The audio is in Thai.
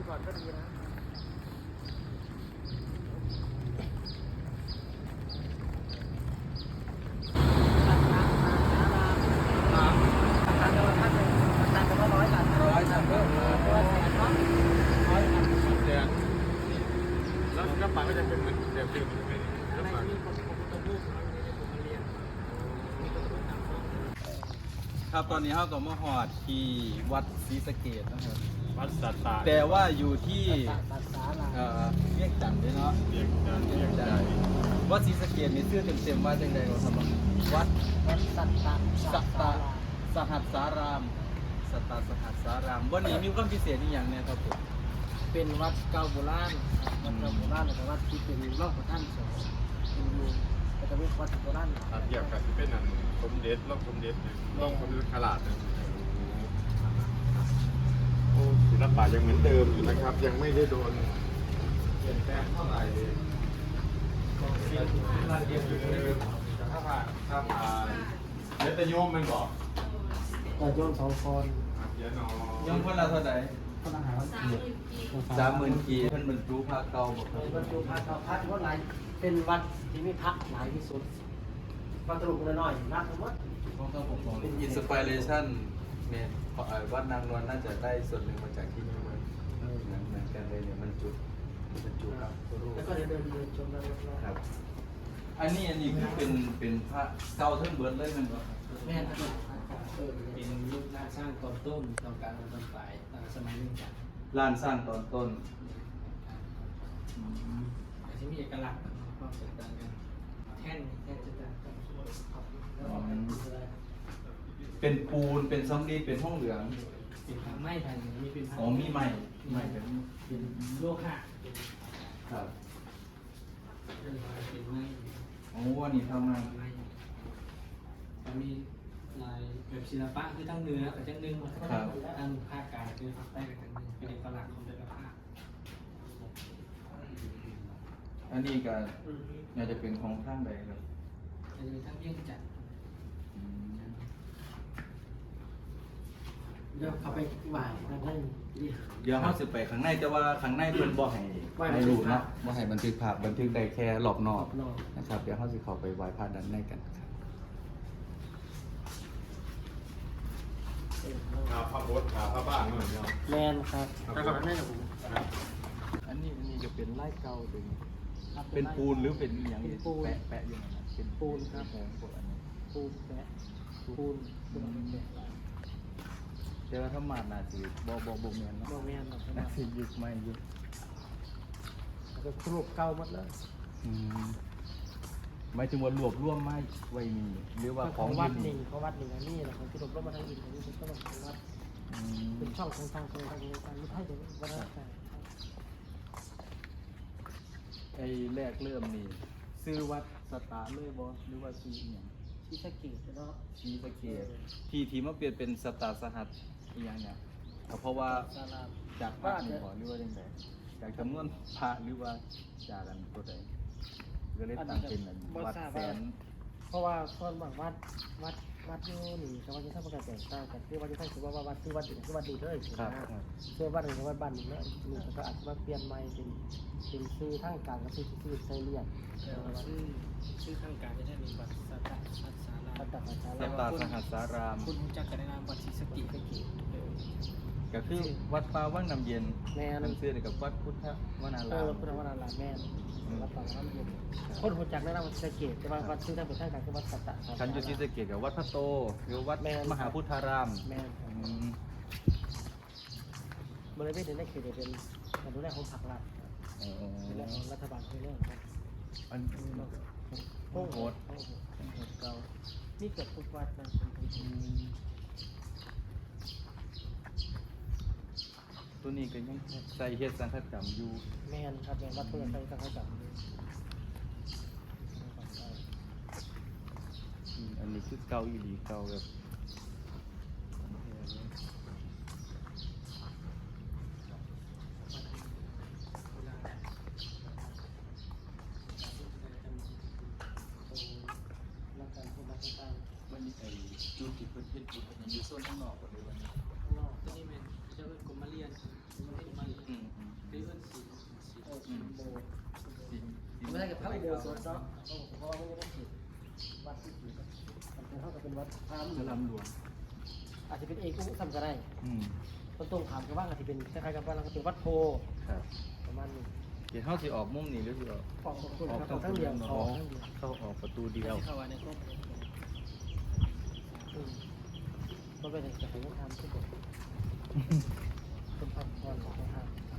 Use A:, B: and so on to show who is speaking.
A: ก่อนก็ดีนะ
B: แล้วป่าก็จะเป็นเหมือนเดิมใช่ไหมแล้วป่า
C: ครับตอนนี้เขาก็มาหอดที่วัดศรีสะเกษนะครับ
B: วัดสัตตา
C: แต่ว่าอยู่ที่
A: ตัดสาลา
C: เวียงจันทน์ด้วยเนาะ
B: เรียกจันเรียกใจ
C: วัดศรีสะเกษนี่ชื่อเต็มๆว่าจังใดครับวัด
A: วัดสัตตา
C: สัตตาสหัสสารามสัตตาสหัสสารามวันนี้มีความพิเศษอีกอย่างเนี่ยครับผม
A: เป็นวัดเก่าโบราณวัดเก่าโบราณแต่วัดที่เป็นร่องพระท่านสองเป็นอยู่แต่ก็เป็นวัดโบราณ
B: เกี่ยวกับที่เป็นอันสมเด็จร่องสมเด็จร่องสมเด็จขลาดโอ้ศิลปะยังเหมือนเดิมอยู่นะครับ ยังไม่ได้โดนเปลี่ยนแปลงเท่าไหร่ถ้าผ่านเดี๋ยวจะโยมมันบอก
A: แต่โยมสองคน
B: เดี๋ยวนอ
C: ยังคนละเท่าไหร่
A: คนอาหาร
C: 30,000 กีเพิ่นบรรจุพระเก่าบ่ครับ
A: บรรจุพระเก่าพระที่วัดหลายเป็นวัดที่มีพระหลายที่สุดวัดตรุกน้อยๆนักทั้งหมด
C: เป็นอินสปิเรชันเนี่ยวัดนางนวลน่าจะได้ส่วนหนึ่งมาจากที่นี่มั้งเหมือนกันเลยเนี่ยมันจุครับรูป
A: แล้วก็เดินชมแล้ว
C: ครับ อันนี้คือเป็นพระเก่าทั้งเบิดเลยแมันบ่
A: แม่นะครับเป็นยุคการสร้างตอนต้นตอนกลางตอนปลายตั้งแต่สมัยนึงจาก
C: ลานสร้างตอนต้น
A: อาจจะมีเอกลักษณ์ความแตกต่างกันแท่นจะต่างกันครับแล้วออกเป็นอะไร
C: เป็นปูนเป็นซัมรีเป็นห้องเหลือง
A: เป็นไม้แผ่นมีเป็น
C: อ๋อมีไม้เป็น
A: เป็นโลหะ
C: ครับ
A: เป็นไม้
C: อ๋ออันนี้ทำมา
A: ไม้มีลายแบบศิลปะคือทั้งเนื้อกับทั้งนึ่งทั้งภาคกลางคือภาคใต้กับทั้งนึ่งเป็นเอกลักษณ์ของแต่ละภาค
C: อันนี้ก็น่าจะเป็นของข้างใดครับ
A: จะมีทั้งเยี่ยงจัดเดี๋ยวเขาไปบ่ายนั่นนั่น
C: เดี๋ยวเขาสิไปข้างในแต่ว่าข้างในเพิ่นบ่ให้รูปเนาะบ่ให้บันทึกภาพบันทึกได้แค่รอบนอกนะครับเดี๋ยวเขาสิเข้าไปไหว้พระด้านในกันครับ
B: พระบดพระบ้านเหมือนกัน
A: แมนครับแต่ก่อนนั่นผม
C: อันนี้จะเป็นไร่เก่าเป็นปูนหรือเป็นอย่างนี้แปะอยู่นั่นนะเป็นปูนครับผมพวกอันนี้
A: ปูนแปะปูนปูนแปะ
C: แต่ว่าถ้ามาน่าสิบ่แม่นเนาะ
A: โมเมนต์
C: น่าสิยึดไม่ยึด
A: ก็ครูปเก่าหมดเลย
C: หมายถึงว่ารวบรวมไม้ไว้นี่หรือว่าข
A: ข
C: อ
A: อง งวัดห
C: นี่
A: นึ่งเขาวัดหนึ่งอันนี้แหละของที่รวบรวมมาทางอินของนี้เป็นต้นของวัดเป็นช่องของทางการไม่ใช่เดี๋ยววัดอะไร
C: ไอ้แรกเริ่มนี่ซื้อวัดสตาร์เลยบ่หรือว่าซื้ออหย่าง
A: ที่สะเก็ดเนาะ
C: ชีสะเกตที่มาเปลี่ยนเป็นสตาร์สหัสอีกอย่างเนี่ยก็เพราะว่า
A: ศาลา
C: จากพระนี่บ่หรือว่าจังไดจากจำนวนพระหรือว่าจากอันตัวใดก็เลยตั้งเป็นอันวัดแสน
A: เพราะว่าคนบางวัดอยู่นี่กับวัดที่ท่านประกาศแตกต่างกันคือวัดที่ท่านคือว่าวัดคือวัดอื่นคือวัดดีเลยคือวัดอื่นคือวัดบ้านนี่แล้วนี่ก็อาจจะมาเปลี่ยนใหม่เป็นชื่อทางการก็ชื่อไซเลียนชื่อทางการจะได้มีวัดสัตตาสารา
C: สตาร์สหัสสาราม
A: คุณรู้จักกันในนามวัดศรีสะเกษ
C: ก็คือวัดป่าวังน้ำเย็น
A: แม่น
C: มันชื่อเดียวกับวัดพุทธวนาราม
A: พุทธวรารามแม่วัดป่าวัดน้ำเย็นคนรู้จักในนามวัดศรีสะเกษแต่ว่าวัดชื่อทางเป็นทางการคือวัดสัตตา
C: คันอยู่ที่สะเกตกับวัดพระโตหรือวัดมหาพุทธาราม
A: แม่บริเวณนี้คือเป็นการดูแลของผักรัฐดูแลของรัฐบาลคือเรื่องครับ
C: อันโอ้โหดเก่า
A: นี่เกิดทุกวัดนะ
C: ตัวนี้ก็ยังใส่เฮ็ดสังฆกรรมอยู่
A: แม่นครับแม่นวัดเพื่อนใส่สังฆกรรม
C: อันนี้คือเก่าอีหลีเก่าแบบวันนี้ไอ้จุดที่เพิ่นเฮ็ดอยู่มันอยู่โซนข้างนอกก็เลยวันนี้
A: ที่นี่แม่นจะเป็นกรมมาเรียนกรมมาเรียนเดินสวนเนาะเพราะว่าไม่ได้ติดวัดที่ติดมันเป็นเท่ากับเป็นวัดพระ
C: สลัมหลวง
A: อาจจะเป็นเอกอุทำก็ได้
C: อืม
A: ต้นตรงขามกับว่าอาจจะเป็นคล้ายๆกับว่าเราเป็นวัดโพ
C: ครับ
A: ประมาณนี้
C: เดี๋ยวเขาสิออกมุมนี้หรือสิออก
A: ออกตรงคุณครับทั้งเดียวออกทั้งเดียว
C: เข้าออกประตูเดียว
A: เข้าไว้ในครอบก็เป็นจะให้ต้องทำทุกคนเป็นพักผ่อนของทาง